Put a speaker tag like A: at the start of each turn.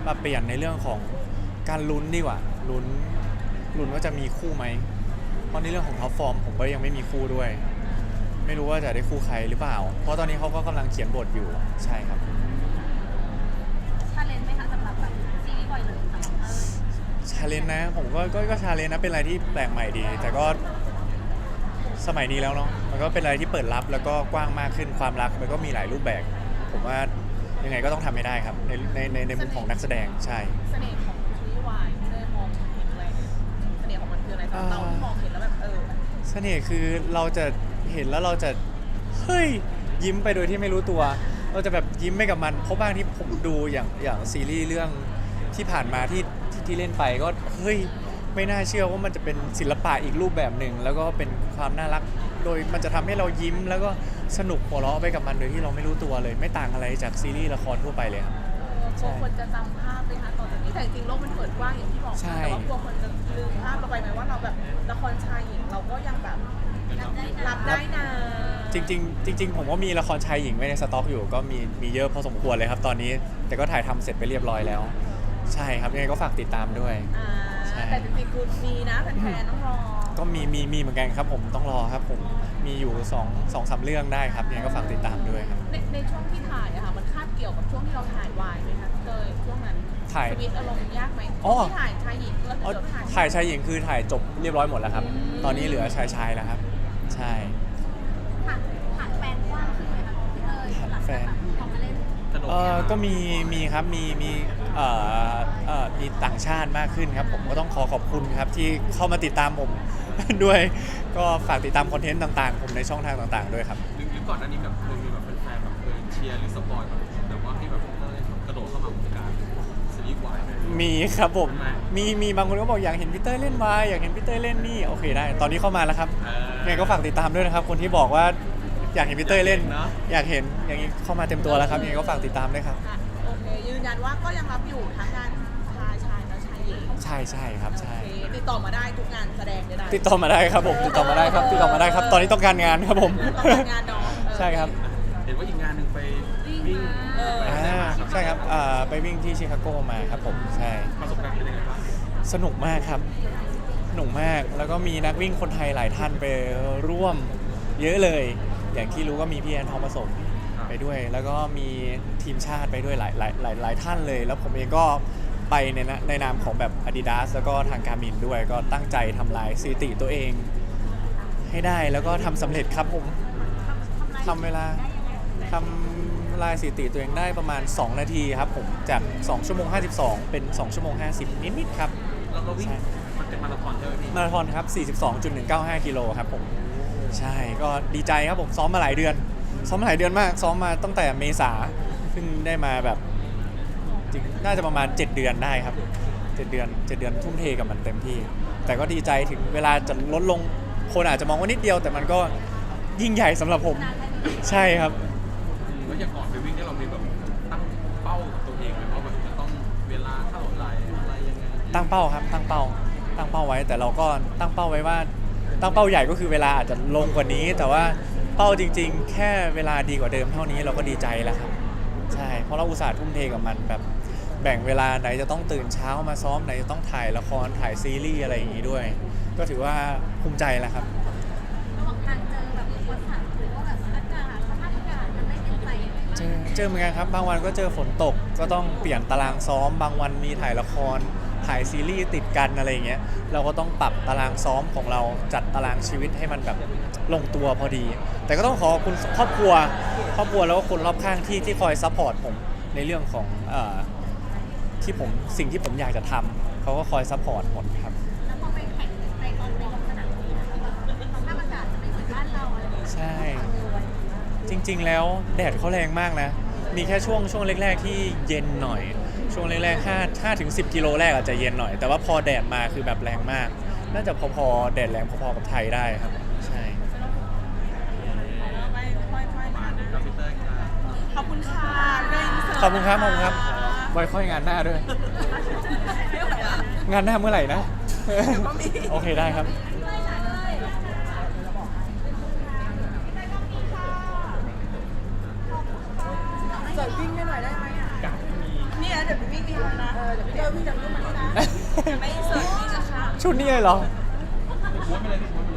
A: มาเปลี่ยนในเรื่องของการลุ้นดีกว่าลุ้นว่าจะมีคู่ไหมเพราะในเรื่องของท็อปฟอร์มผมก็ยังไม่มีคู่ด้วยไม่รู้ว่าจะได้คู่ใครหรือเปล่าเพราะตอนนี้เขาก็กำลังเขียนบทอยู่ใช่ครับ
B: ชาเลนจ์ไหมคะสำหรับแบบซีรีส์บ่อยเลยสำหรับ
A: ชาเลนจ์นะผมก็ชาเลนจ์นะเป็นอะไรที่แปลกใหม่ดีแต่ก็สมัยนี้แล้วเนาะมันก็เป็นอะไรที่เปิดรับแล้วก็กว้างมากขึ้นความรักมันก็มีหลายรูปแบบผมว่ายังไงก็ต้องทำให้ได้ครับในมุมของนักแสดงใช่
C: เสน่ห์ของซีรีส์วายที่ได้มองเห็นอะไรเสน่ห์ของมันคืออะไรสำหรับเราที่มองเห็นแล้วแบบ
A: เสน่ห์คือเราจะเห็นแล้วเราจะเฮ้ยยิ้มไปโดยที่ไม่รู้ตัวเราจะแบบยิ้มไปกับมันเพราะบางที่ผมดูอย่างซีรีส์เรื่องที่ผ่านมาที่เล่นไปก็เฮ้ยไม่น่าเชื่อว่ามันจะเป็นศิลปะอีกรูปแบบหนึ่งแล้วก็เป็นความน่ารักโดยมันจะทำให้เรายิ้มแล้วก็สนุกหัวเราะไปกับมันโดยที่เราไม่รู้ตัวเลยไม่ต่างอะไรจากซีรีส์ละครทั่วไปเลยครับ
C: กลัวคนจะจำภาพไหมคะต่อจากนี้แต่จริงๆโลกมันเปิดกว้างอย่างที่บอกแต่ว่ากลัวคนจะลืมภาพเราไปไหมว่าเราแบบละครชายหญิงเราก็ยังแบบรับได้นะ
A: จริงผมว่ามีละครชายหญิงไว้ในสต็อกอยู่ก็มีเยอะพอสมควรเลยครับตอนนี้แต่ก็ถ่ายทำเสร็จไปเรียบร้อยแล้วใช่ครับยังไงก็ฝากติดตามด้วย
C: แต่จริงๆคือมีนะแฟนๆต้องรอ
A: ก็มีเหมือนกันครับผมต้องรอครับผมมีอยู่2-3เรื่องได้ครับยังไงก็ฝากติดตามด้วยครับ
C: ในช่วงที่ถ่ายอะค่ะมันคาบเกี่ยวกับช่วงที่เราถ่ายวายไหมคะเลยช่วงนั้น
A: ถ่าย
C: ชีวิตอารมณ์ยากไหมที่ถ่ายชายหญิงเรื่อง
A: ถ่ายชายหญิงคือถ่ายจบเรียบร้อยหมดแล้วครับตอนนี้เหลือชายแล้วครับใช่
B: ผ่านแฟนกว้างขึ้นไหมคะพี่เต้ยหลังจากพอมาเล่น
A: ก็มีครับมีต่างชาติมากขึ้นครับผมก็ต้องขอบคุณครับที่เข้ามาติดตามผมด้วยก็ฝากติดตามคอนเทนต์ต่างๆผมในช่องทางต่างๆด้วยครับ
D: หรือก่อนหน้านี้แบบเคยมีแบบแฟนๆแบบเชียร์หรือสปอยแบบว่าให้แบบกระโดดเข้ามาวงการซีรีส์วาย
A: มีครับผมมีบางคนก็บอกอยากเห็นพี่เต้ยเล่นวายอยากเห็นพี่เต้ยเล่นนี่โอเคได้ตอนนี้เข้ามาแล้วครับยังไงก็ฝากติดตามด้วยนะครับคนที่บอกว่าอยากเห็นพี่เต้ยเล่นอยากเห็นอย่างนี้เข้ามาเต็มตัวแล้วครับยังไงก็ฝากติดตามด้วยครับ
C: โอเคยืนยันว่าก็ยังรับอยู่ทั้งงานชายและชายหญิง
A: ใช่ครับใช่
C: ติดต่อมาได้ทุกงานแสดงได้
A: ติดต่อมาได้ครับผมติดต่อมาได้ครับตอนนี้ต้องการงานครับผม
C: งานน้อง
A: ใช่ครับ
D: เห็นว่าอีกงานหนึ่งไปวิ่ง
A: ใช่ครับไปวิ่งที่ชิคาโกมาครับผมใช่
D: ประสบการณ์เป็นยังไงบ้าง
A: สนุกมากครับสนุกมากแล้วก็มีนักวิ่งคนไทยหลายท่านไปร่วมเยอะเลยอย่างที่รู้ก็มีพี่แอนทองผสมไปด้วยแล้วก็มีทีมชาติไปด้วยหลายท่านเลยแล้วผมเองก็ไปในนามของแบบ Adidas แล้วก็ทางการมินด้วยก็ตั้งใจทำลายสถิติตัวเองให้ได้แล้วก็ทำสำเร็จครับผมทำเวลาทำลายสถิติตัวเองได้ประมาณ2นาทีครับผมจาก2ชั่วโมง52เป็น2ชั่วโมง50นิดๆครับ
D: เราวิ่งมันเป็นมาราธอนใช่ไหมพี่
A: มาราธอนครับ42.195กิโลครับผมใช่ก็ดีใจครับผมซ้อมมาหลายเดือนมากซ้อมมาตั้งแต่เมษาเพิ่งได้มาแบบจริงน่าจะประมาณ7เดือนได้ครับ7เดือนทุ่มเทกับมันเต็มที่แต่ก็ดีใจถึงเวลาจะลดลงคนอาจจะมองว่านิดเดียวแต่มันก็ยิ่งใหญ่สำหรับผมใช่ครับ
D: แล้วอย่างก่อนไปวิ่งเนี่ยเรามีแบบตั้งเป้ากับตัวเองไหมว่าแบบจะต้องเวลาเท่าไหร่อะไรยังไง
A: ตั้งเป้าครับตั้งเป้าไว้แต่เราก็ตั้งเป้าไว้ว่าตั้งเป้าใหญ่ก็คือเวลาอาจจะลงกว่านี้แต่ว่าเป้าจริงๆแค่เวลาดีกว่าเดิมเท่านี้เราก็ดีใจแล้วครับใช่เพราะเราอุตส่าห์ทุ่มเทกับมันแบบแบ่งเวลาไหนจะต้องตื่นเช้ามาซ้อมไหนจะต้องถ่ายละครถ่ายซีรีส์อะไรอย่างนี้ด้วยก็ถือว่าภูมิใจแล้วครับ
B: ระหว่างทางเจอแบบอุปสรรคหรือว่าแบบอากาศสภาพอากาศมันไม่เป็นใจ
A: เจอเหมือนกันครับบางวันก็เจอฝนตกก็ต้องเปลี่ยนตารางซ้อมบางวันมีถ่ายละครถ่ายซีรีส์ติดกันอะไรอย่างเงี้ยเราก็ต้องปรับตารางซ้อมของเราจัดตารางชีวิตให้มันแบบลงตัวพอดีแต่ก็ต้องขอบคุณครอบครัวแล้วก็คนรอบข้างที่คอยซัพพอร์ตผมในเรื่องของสิ่งที่ผมอยากจะทำเขาก็คอยซัพพอร์ตหมดครับ
B: แล้วพอไปแข่งในลงสนามนี้สภาพอากาศจะไม่เหมือนบ้านเราอะไรอย่างเงี้ย
A: ใช่จริงๆแล้วแดดเขาแรงมากนะมีแค่ช่วงแรกๆที่เย็นหน่อยช่วงแรกๆ5ถึง10กิโลแรกอาจจะเย็นหน่อยแต่ว่าพอแดดมาคือแบบแรงมากน่าจะพอแดดแรงพอๆกับไทยได้ครับใช่
C: ขอบคุณค่ะ
A: ขอบคุณครับไว้ค่อยงานหน้าด้วยงานหน้าเมื่อไหร่นะโอเคได้ครับ
C: จอดวิ่งให้หน่อยได้ไหมอ่ะนี่นะเดี๋ยววิ่งมานะเดี๋ยวพี่เจอวิ่งจากรูปมานี่นะไม่เสิร์ฟนี่นะคะ
A: ชุดนี้เลยเหรอ
D: ม้วนไปเลยพี่ม้วนไปเลย